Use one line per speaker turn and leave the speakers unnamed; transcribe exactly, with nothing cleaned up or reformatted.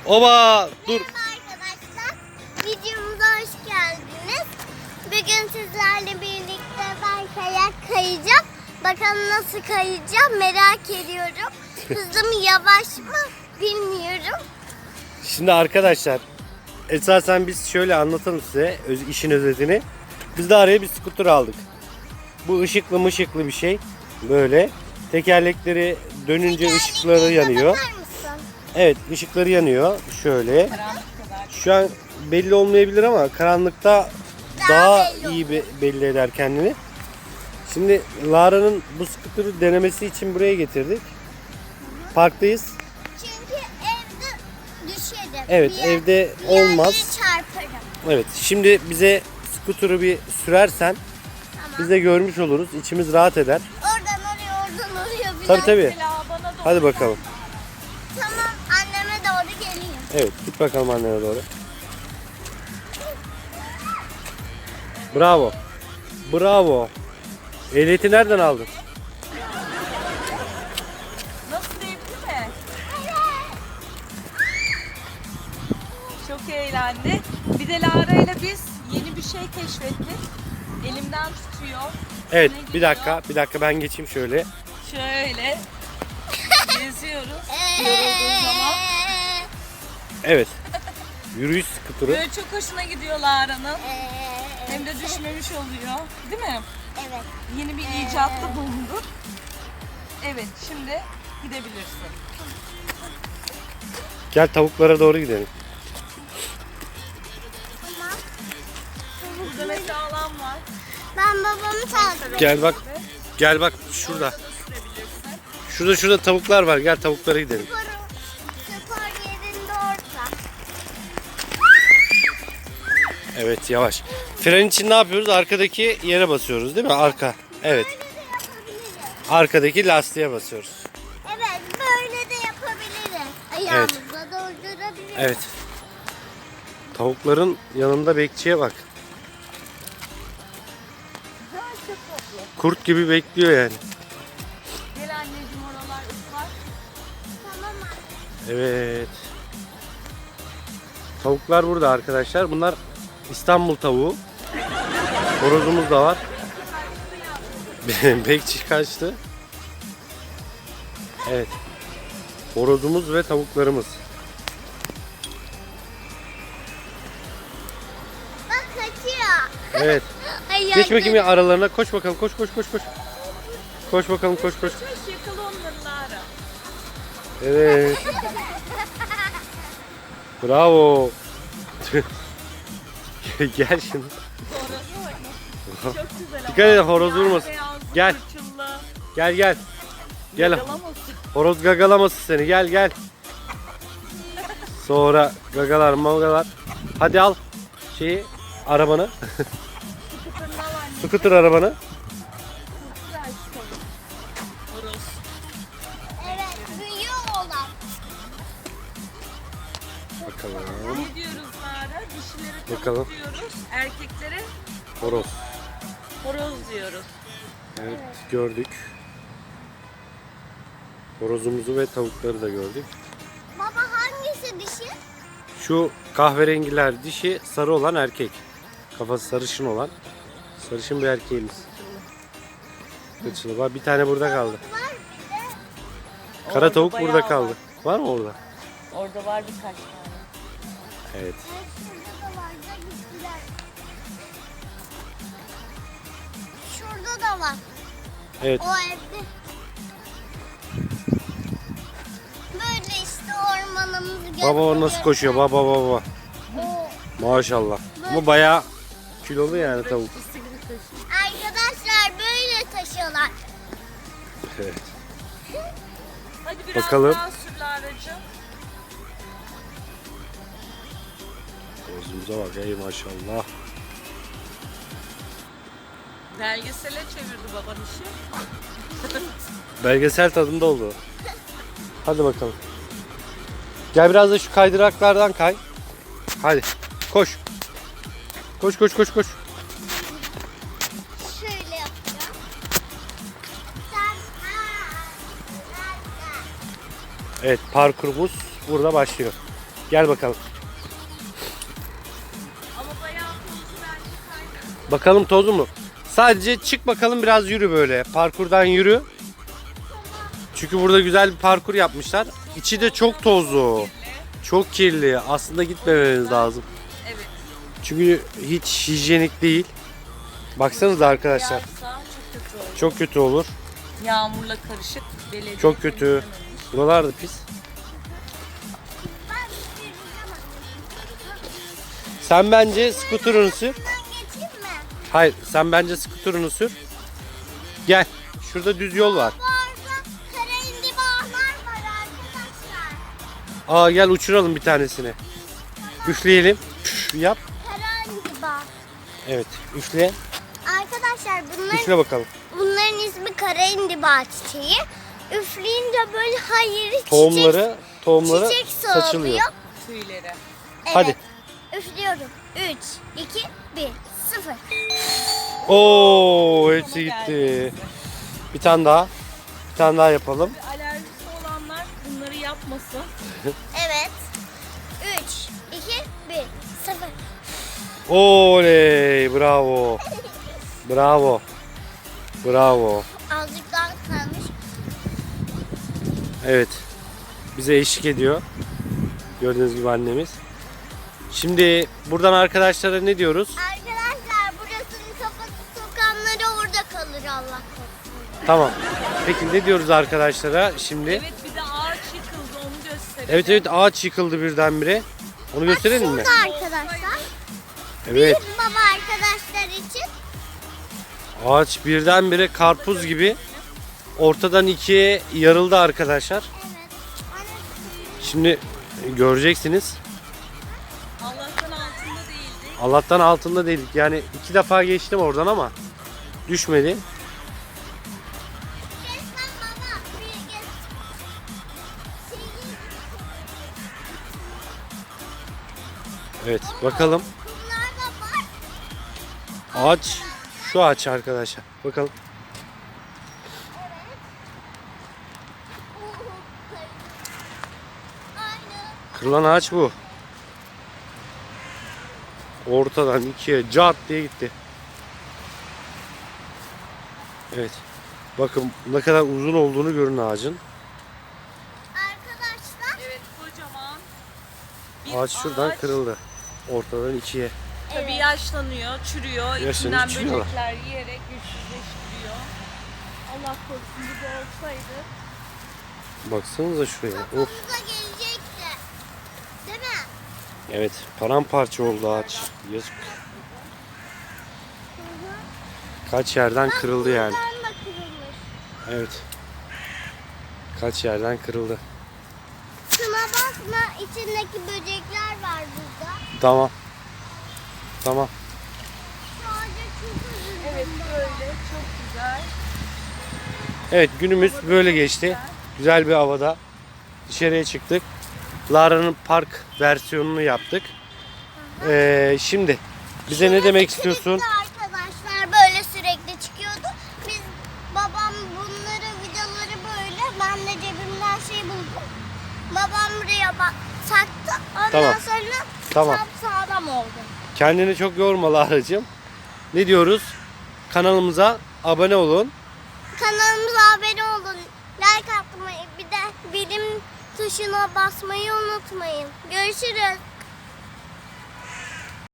Oba dur.
Merhaba arkadaşlar. Videomuza hoş geldiniz. Bugün sizlerle birlikte ben kayak kayacağım. Bakalım nasıl kayacağım merak ediyorum. Hızlı mı yavaş mı bilmiyorum.
Şimdi arkadaşlar esasen biz şöyle anlatalım size öz- işin özetini. Biz de araya bir skuter aldık. Bu ışıklı mışıklı bir şey. Böyle tekerlekleri dönünce ışıkları yanıyor.
Bakar mısın?
Evet, ışıkları yanıyor. Şöyle. Şu an belli olmayabilir ama karanlıkta
Daha
daha
belli
iyi be- belli eder kendini. Şimdi Lara'nın bu skuteri denemesi için buraya getirdik. Parktayız.
Çünkü evde düşerim.
Evet,
Bir yer-
evde
bir yerlere
olmaz.
çarparım.
Evet, şimdi bize skuteri bir sürersen
Tamam.
biz de görmüş oluruz. İçimiz rahat eder.
Oradan oraya oradan oraya bir
Tabii tabii.
Mesela bana doğru
Hadi bakalım.
Tamam anneme doğru geleyim.
Evet, git bakalım annene doğru. Bravo. Bravo. Ehliyeti nereden aldın?
Nasıl, zevkli mi? Çok eğlendi. Bir de Lara ile biz yeni bir şey keşfettik. Elimden tutuyor.
Evet,
Ne
bir
gidiyor?
dakika, bir dakika ben geçeyim şöyle.
Şöyle geziyoruz. Yorulduğu zaman.
Evet. Yürüyüş skuteri.
Böyle çok hoşuna gidiyor Lara'nın.
Ee,
Hem de düşmemiş oluyor. Değil mi?
Evet.
Yeni bir icatta bulunduk. Evet, şimdi gidebilirsin.
Gel tavuklara doğru gidelim.
Tamam.
Burada mesela alan var.
Ben babamı takip ediyorum.
Gel bak. Gel bak şurada.
Sürebilirsin.
Şurada şurada tavuklar var. Gel tavuklara gidelim.
Spor, spor yerinde orta.
Evet, yavaş. Fren için ne yapıyoruz? Arkadaki yere basıyoruz, değil mi? Arka. Evet.
Böyle de yapabiliriz.
Arkadaki lastiğe basıyoruz.
Evet böyle de yapabiliriz. Ayağımızla doldurabiliriz.
Evet. Tavukların yanında bekçiye bak.
Çok tatlı.
Kurt gibi bekliyor yani.
Gel anneciğim, oralar ıslak.
Tamam anne.
Evet. Tavuklar burada arkadaşlar. Bunlar İstanbul tavuğu. Horozumuz da var. Bekçi kaçtı. Evet. Horozumuz ve tavuklarımız.
Bak kaçıyor.
Evet.
Ay,
Geç bakayım ya aralarına. Koş bakalım. Koş koş koş koş. Koş bakalım koş koş.
Koş, yakala onları Lara.
Evet. Bravo. Gel şimdi.
Horoza bak nasıl. Çok güzel ama.
Dikkat et, horoz vurmasın.
Beyazlı,
Gel.
fırçılı.
Gel gel. Gel.
Yakalamasın.
Horoz gagalamasın seni. Gel gel. Sonra gagalar magalar. Hadi al şeyi arabanı.
Sıkıntırına var anne.
Scooter arabanı.
Güzel şu tavuk. Horoz.
Evet büyüyor olan.
Bakalım.
Ne diyoruz Lara? Dişileri tavuk
Bakalım.
diyoruz. Erkeklere
Horoz.
horoz diyoruz.
Evet gördük. Horozumuzu ve tavukları da gördük.
Baba hangisi dişi?
Şu kahverengiler dişi, sarı olan erkek. Kafası sarışın olan. Sarışın bir erkeğimiz. Kıçılı var. Bir tane burada kaldı.
Var bir de.
Kara
Orada
tavuk
bayağı
burada kaldı.
Var.
Var mı orada?
Orada var birkaç tane.
Evet.
Evet, şurada da var da gittiler. Şurada da var.
Evet.
O evde. Böyle işte ormanımızı
Baba o nasıl
gösteriyor.
koşuyor? Baba baba.
O.
Maşallah. Ama bayağı kilolu yani tavuk.
Arkadaşlar böyle taşıyorlar.
Evet.
Hadi biraz
Bakalım.
daha sür Lara'cığım.
Horozumuza bak ey maşallah.
Belgesele çevirdi baban işi.
Belgesel tadında oldu. Hadi bakalım. Gel biraz da şu kaydıraklardan kay. Hadi koş. Koş koş koş koş.
Şöyle yapacağım. Sen ha,
Evet parkurumuz burada başlıyor. Gel bakalım.
Ama bayağı tozlu bence kaydı.
Bakalım tozu mu? Sadece çık bakalım, biraz yürü böyle. Parkurdan yürü. Çünkü burada güzel bir parkur yapmışlar. İçi de çok tozlu. Çok kirli. Aslında gitmemeniz lazım.
Evet.
Çünkü hiç hijyenik değil. Baksanıza arkadaşlar.
Yağsa çok kötü olur.
Çok kötü olur.
Yağmurla karışık. Belediye
Çok kötü.
temizlememiş.
Buralar da pis.
Ben süreceğim anne.
Sen bence skuterını sür.
Ben geçeyim mi?
Hayır, sen bence skuterını sür. Gel. Şurada düz yol var.
Bu arada kara indibalar var arkadaşlar.
Aa, gel uçuralım bir tanesini. Üfleyelim. Püf, yap.
Kara indiba.
Evet, üfle.
Arkadaşlar bunların,
Üfle bakalım.
bunların ismi kara indiba çiçeği. Üfleyince böyle hayır çiçek,
Tohumları, tohumları
çiçek
saçılıyor.
soğuyor.
Tüyleri.
Evet.
Hadi.
Üflüyorum. üç, iki, bir, sıfır.
Oo, hepsi
Sonu
gitti.
geldi.
Bir tane daha. Bir tane daha yapalım.
Alerjisi olanlar bunları yapmasın.
Evet. üç, iki, bir, sıfır.
Oley, bravo. Bravo. Bravo.
Azıcık daha kalmış.
Evet. Bize eşlik ediyor. Gördüğünüz gibi annemiz. Şimdi buradan arkadaşlara ne diyoruz?
Arkadaşlar burasının kafası sokanları orada kalır Allah korusun.
Tamam. Peki ne diyoruz arkadaşlara şimdi?
Evet, bir de ağaç yıkıldı, onu gösterelim.
Evet evet, ağaç yıkıldı birdenbire. Onu gösterelim mi?
Şurada arkadaşlar.
Evet.
Bir baba arkadaşlar için.
Ağaç birdenbire karpuz gibi ortadan ikiye yarıldı arkadaşlar.
Evet.
Şimdi göreceksiniz.
Allah'tan altında değildi.
Allah'tan altında değildik. Yani iki defa geçtim oradan ama düşmedi.
Geç lan baba. Bir geç.
Evet, bakalım.
Bunlar da var.
Ağaç şu ağaç arkadaşlar. Bakalım.
Aynı.
Kırılan ağaç bu. Ortadan ikiye cart diye gitti. Evet. Bakın ne kadar uzun olduğunu görün ağacın.
Arkadaşlar.
Evet, kocaman. Bir
Ağaç şuradan
ağaç
kırıldı. Ortadan ikiye.
Tabii yaşlanıyor, çürüyor.
Yaşlanıyor,
İçinden
çürüyorlar.
böcekler yiyerek güçsüzleştiriyor. Allah korusun, bu da olsaydı.
Baksanıza şuraya. Of.
Kafamıza gelecekti. Değil mi?
Evet, paramparça oldu ağaç. Yazık. Kaç yerden kırıldı yani.
Buradan da kırılmış.
Evet. Kaç yerden kırıldı.
Şuna bakma, içindeki böcekler var burada.
Tamam. Tamam.
Sadece çok üzüldüm.
Evet, böyle çok güzel.
Evet, günümüz böyle geçti. Güzel bir havada dışarıya çıktık. Lara'nın park versiyonunu yaptık. Ee, şimdi bize ne demek istiyorsun?
Klipte arkadaşlar böyle sürekli çıkıyordu. Biz babam bunları videoları böyle ben de cebimden şey buldum. Babam buraya bak taktı. Ondan
Tamam.
sonra
Tamam.
sağlam oldu.
Kendini çok yorma Lara'cığım. Ne diyoruz? Kanalımıza abone olun.
Kanalımıza abone olun. Like atmayı bir de bilim tuşuna basmayı unutmayın. Görüşürüz.